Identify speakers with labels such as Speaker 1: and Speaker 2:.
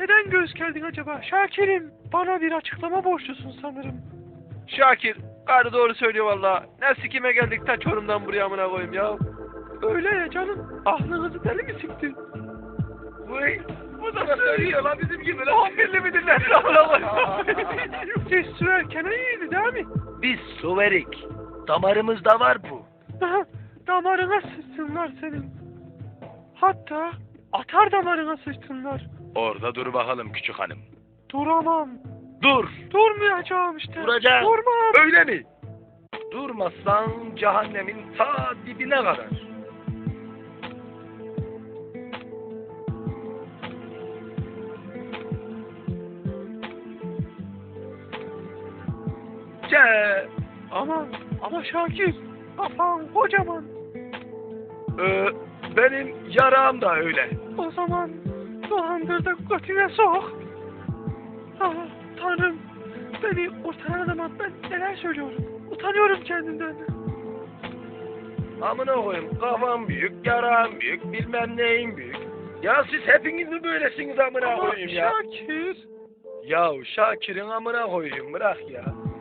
Speaker 1: Neden göğüs geldin acaba? Şakir'im, bana bir açıklama borçlusun sanırım.
Speaker 2: Şakir, karı doğru söylüyor valla. Ne sikime geldik ta Çorum'dan buraya amına koyayım ya.
Speaker 1: Öyle ya canım, aklınızı deli mi siktin?
Speaker 2: Vay, bu da söylüyor lan bizim gibi lan. 11'li midir lan amına koyayım.
Speaker 1: Siz sürerken iyiydi değil mi?
Speaker 3: Biz su verik. Damarımızda var bu.
Speaker 1: Damarına sıçsınlar senin. Hatta atar damarına sıçsınlar.
Speaker 3: Orada dur bakalım küçük hanım.
Speaker 1: Duramam.
Speaker 3: Dur.
Speaker 1: Durmayacağım işte.
Speaker 3: Duracağım.
Speaker 1: Durmam.
Speaker 3: Öyle mi? Durmazsan cehennemin ta dibine kadar. Ce.
Speaker 1: Ama Şakir, kafan kocaman.
Speaker 3: Benim yarağım da öyle.
Speaker 1: O zaman dolandır da götüne sok. Ah, Tanrım, beni kurtaran adama ben neler söylüyorum. Utanıyorum kendimden.
Speaker 3: Amına koyayım, kafam büyük, yarağım büyük, bilmem neyim büyük. Ya siz hepiniz mi böylesiniz amına
Speaker 1: Ama
Speaker 3: koyayım ya?
Speaker 1: Şakir.
Speaker 3: Ya Şakir'in amına koyayım, bırak ya.